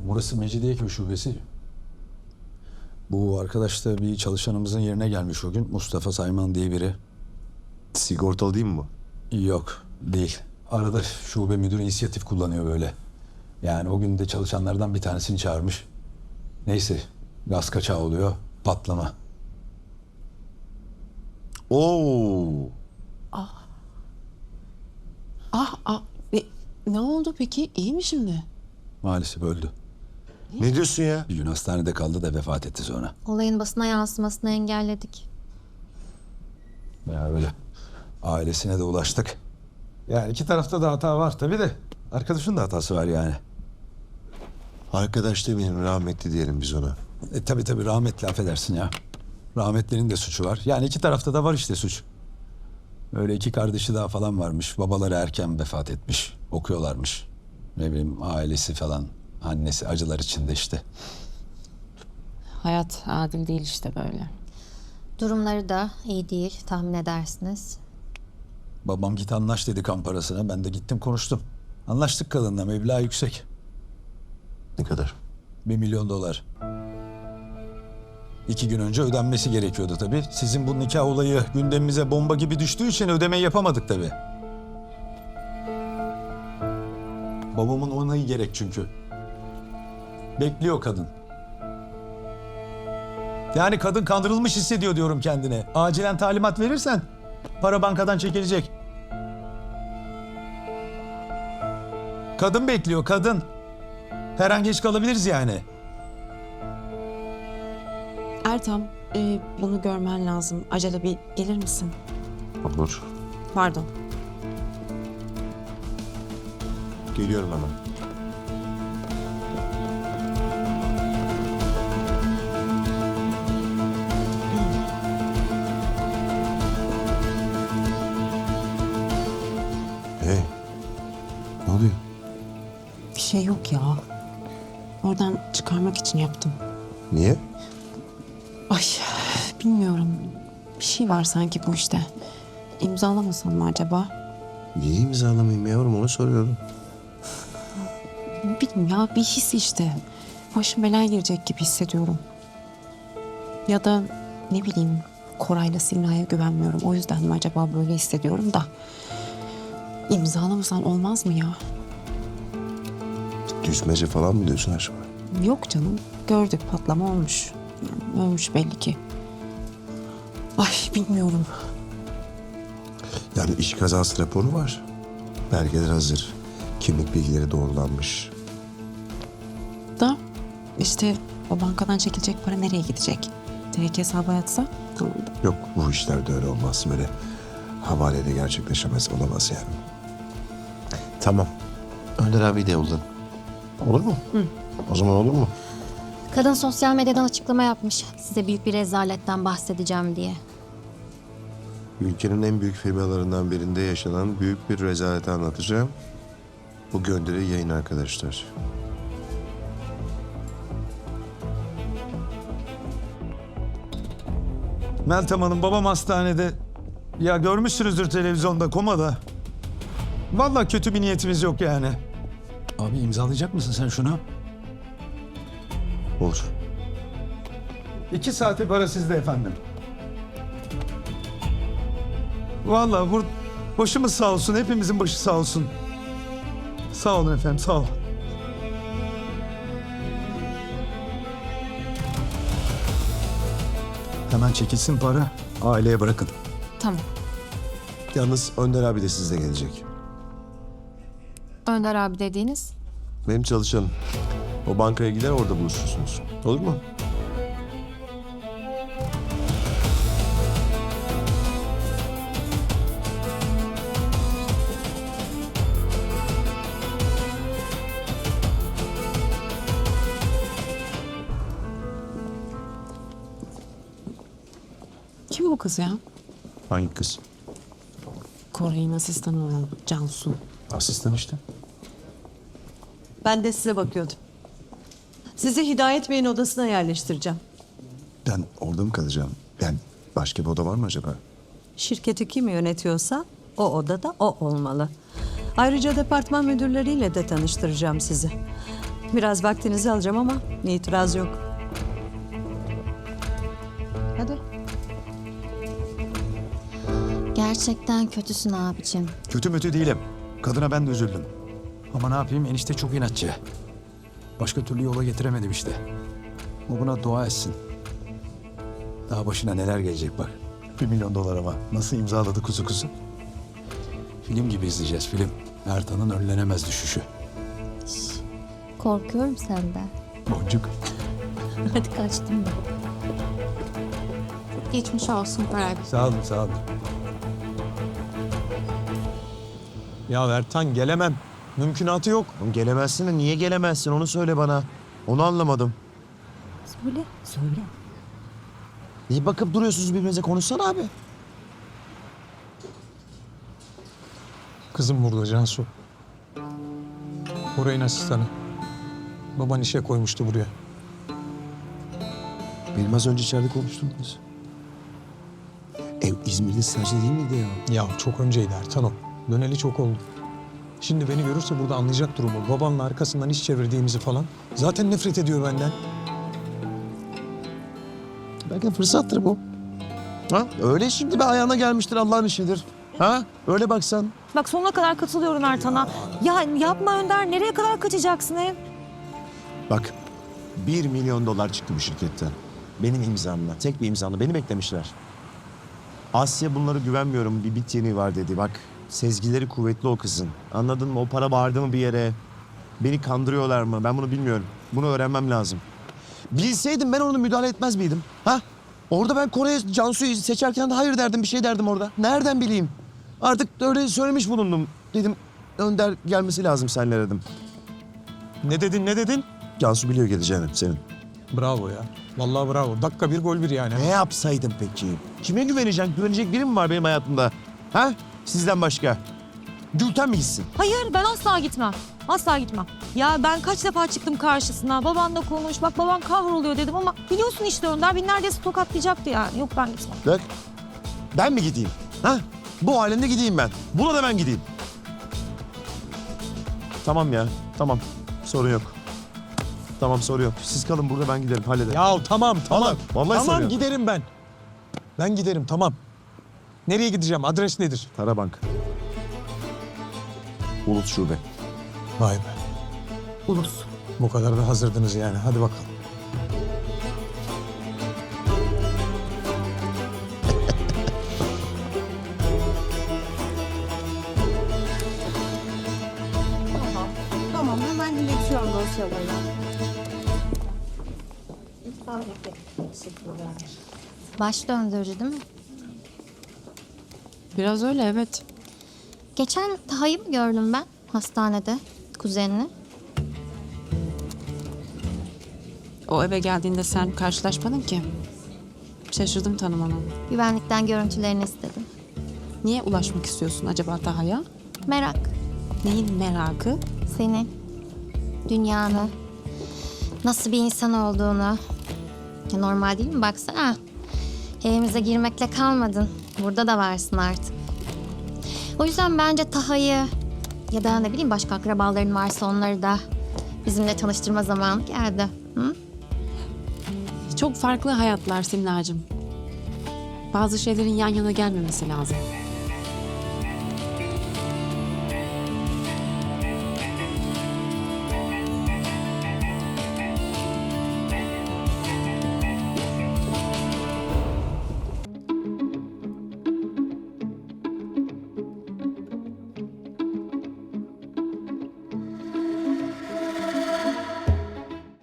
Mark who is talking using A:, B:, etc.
A: Burası Mecidiyeköy şubesi. Bu arkadaş da bir çalışanımızın yerine gelmiş o gün. Mustafa Sayman diye biri.
B: Sigortalı değil mi bu?
A: Yok, değil. Arada şube müdürü inisiyatif kullanıyor böyle. Yani o gün de çalışanlardan bir tanesini çağırmış. Neyse, gaz kaçağı oluyor, patlama.
B: Oo.
C: Ne oldu peki? İyi mi şimdi?
A: Maalesef öldü.
B: Ne diyorsun ya?
A: Bir gün hastanede kaldı da vefat etti sonra.
D: Olayın basına yansımasını engelledik.
A: Ya öyle. Ailesine de ulaştık. Yani iki tarafta da hata var tabii de. Arkadaşın da hatası var yani.
B: Arkadaş demeyelim, rahmetli diyelim biz ona.
A: Tabii rahmetli, affedersin ya. Rahmetlinin de suçu var. Yani iki tarafta da var işte suç. Öyle iki kardeşi daha falan varmış. Babaları erken vefat etmiş. Okuyorlarmış. Ne bileyim ailesi falan. Annesi acılar içinde işte.
C: Hayat adil değil işte böyle.
D: Durumları da iyi değil, tahmin edersiniz.
A: Babam git anlaş dedi kan parasına. Ben de gittim konuştum. Anlaştık kadınla, meblağ yüksek.
B: Ne kadar?
A: 1 milyon dolar. 2 gün önce ödenmesi gerekiyordu tabii. Sizin bu nikah olayı gündemimize bomba gibi düştüğü için ödemeyi yapamadık tabii. Babamın onayı gerek çünkü. Bekliyor kadın. Yani kadın kandırılmış hissediyor diyorum kendine. Acilen talimat verirsen para bankadan çekilecek. Kadın bekliyor, kadın. Her an geç kalabiliriz yani.
C: Ertem, bunu görmen lazım. Acele bir gelir misin?
B: Olur.
C: Pardon.
B: Geliyorum hemen. Hey. Ne oluyor?
C: Bir şey yok ya. Oradan çıkarmak için yaptım.
B: Niye?
C: Ay, bilmiyorum. Bir şey var sanki bu işte. İmzalamasam mı acaba?
B: Niye imzalamayayım yavrum, onu soruyorum.
C: Ne bileyim ya, bir his işte. Başım belaya girecek gibi hissediyorum. Ya da ne bileyim, Koray'la Simra'ya güvenmiyorum. O yüzden mi acaba böyle hissediyorum da. İmzalamasan olmaz mı ya?
B: Düzmece falan mı diyorsun acaba?
C: Yok canım. Gördük, patlama olmuş. Yani ölmüş belli ki. Ay bilmiyorum.
B: Yani iş kazası raporu var. Belgeler hazır. Kimlik bilgileri doğrulanmış.
C: Da işte o bankadan çekilecek para nereye gidecek? Direkt hesaba yatsa tamam.
B: Yok, bu işlerde öyle olmaz. Böyle havaleyle gerçekleşemez, olamaz yani. Tamam. Önder abi de yoldan. Olur mu? Hı. O zaman olur mu?
D: Kadın sosyal medyadan açıklama yapmış. Size büyük bir rezaletten bahsedeceğim diye.
B: Ülkenin en büyük firmalarından birinde yaşanan büyük bir rezaleti anlatacağım. Bu gönderi yayın arkadaşlar.
A: Meltem Hanım, babam hastanede. Ya görmüşsünüzdür televizyonda, komada. Vallahi kötü bir niyetimiz yok yani. Abi imzalayacak mısın sen şunu?
B: Olur.
A: 2 saate para sizde efendim. Vallahi başımız sağ olsun, hepimizin başı sağ olsun. Sağ olun efendim, sağ olun. Hemen çekilsin para, aileye bırakın.
C: Tamam.
B: Yalnız Önder abi de sizle gelecek.
D: Önder abi dediğiniz?
B: Benim çalışanım. O bankaya gider, orada buluşursunuz. Olur mu?
C: Kim bu kız ya?
B: Hangi kız?
C: Koray'ın asistanı olan Cansu.
A: Asistan işte.
E: Ben de size bakıyordum. Sizi Hidayet Bey'in odasına yerleştireceğim.
B: Ben orada mı kalacağım? Yani başka bir oda var mı acaba?
E: Şirketi kim yönetiyorsa o odada o olmalı. Ayrıca departman müdürleriyle de tanıştıracağım sizi. Biraz vaktinizi alacağım ama itiraz yok. Hadi.
D: Gerçekten kötüsün abicim.
A: Kötü mütü değilim. Kadına ben de üzüldüm. Ama ne yapayım, enişte çok inatçı. Başka türlü yola getiremedim işte. O buna dua etsin. Daha başına neler gelecek bak. 1 milyon dolar ama nasıl imzaladı kuzu kuzu? Film gibi izleyeceğiz, film. Ertan'ın önlenemez düşüşü.
D: Korkuyorum senden.
A: Boncuk.
D: Hadi kaçtım ben.
C: Geçmiş olsun Koray.
A: Sağ olun, sağ olun.
F: Ya Ertan gelemem. Mümkünatı yok.
B: Oğlum gelemezsin de niye gelemezsin onu söyle bana. Onu anlamadım.
D: Söyle.
B: Niye bakıp duruyorsunuz birbirinize, konuşsana abi.
F: Kızım burada Cansu. Orayın asistanı. Baban işe koymuştu buraya.
B: Benim az önce içeride konuştuğumuz. Ev İzmir'de sadece değil miydi ya?
F: Ya çok önceydi Ertan o. Döneli çok oldu. Şimdi beni görürse burada anlayacak durumu. Babanla arkasından iş çevirdiğimizi falan. Zaten nefret ediyor benden.
B: Belki de fırsattır bu. Ha? Öyle şimdi bir ayağına gelmiştir, Allah'ın işidir. Ha? Öyle baksan.
G: Bak sonuna kadar katılıyorum Ertan'a. Ya yapma Önder, nereye kadar kaçacaksın ev?
B: Bak 1 milyon dolar çıktı bu şirketten. Benim imzamla. Tek bir imzamla. Beni beklemişler. Asya bunlara güvenmiyorum. Bir bit yeniği var dedi. Bak sezgileri kuvvetli o kızın. Anladın mı? O para bağırdı mı bir yere? Beni kandırıyorlar mı? Ben bunu bilmiyorum. Bunu öğrenmem lazım. Bilseydim ben onu müdahale etmez miydim? Ha? Orada ben Kore'ye Cansu'yu seçerken de hayır derdim, bir şey derdim orada. Nereden bileyim? Artık öyle söylemiş bulundum. Dedim Önder gelmesi lazım seninle dedim.
F: Ne dedin?
B: Cansu biliyor geleceğini senin.
F: Bravo ya. Vallahi bravo. Dakika bir gol bir yani.
B: Ne yapsaydım peki? Kime güveneceksin? Güvenecek biri mi var benim hayatımda? Ha? Sizden başka. Gülten mi gitsin?
G: Hayır, ben asla gitmem. Asla gitmem. Ya ben kaç defa çıktım karşısına. Babanla konuş, bak baban kahroluyor dedim ama biliyorsun işte Önder beni neredeyse tokatlayacaktı yani. Yok ben gitmem.
B: Bak. Ben mi gideyim? Ha? Bu alemde gideyim ben. Buna da ben gideyim. Tamam ya. Tamam. Sorun yok. Tamam sorun yok. Siz kalın burada, ben giderim. Hallederim.
F: Ya tamam.
B: Vallahi
F: Tamam
B: soruyorum.
F: giderim ben. Ben giderim tamam. Nereye gideceğim? Adres nedir?
B: Tarabank. Ulut Şube.
F: Vay be.
C: Ulus.
F: Bu kadar da hazırdınız yani. Hadi bakalım.
C: Tamam hemen iletiyorum dosyaları.
D: Baş döndürücü değil mi?
C: Biraz öyle evet.
D: Geçen Taha'yı mı gördüm ben hastanede, kuzenini?
C: O eve geldiğinde sen karşılaşmadın ki. Şaşırdım tanımana.
D: Güvenlikten görüntülerini istedim.
C: Niye ulaşmak istiyorsun acaba Taha'ya?
D: Merak.
C: Neyin merakı?
D: Seni, dünyanı, nasıl bir insan olduğunu. Ya normal değil mi? Baksana. Evimize girmekle kalmadın. Burada da varsın artık. O yüzden bence Taha'yı ya da ne bileyim başka akrabaların varsa onları da bizimle tanıştırma zamanı geldi. Hı?
C: Çok farklı hayatlar Simlacığım. Bazı şeylerin yan yana gelmemesi lazım.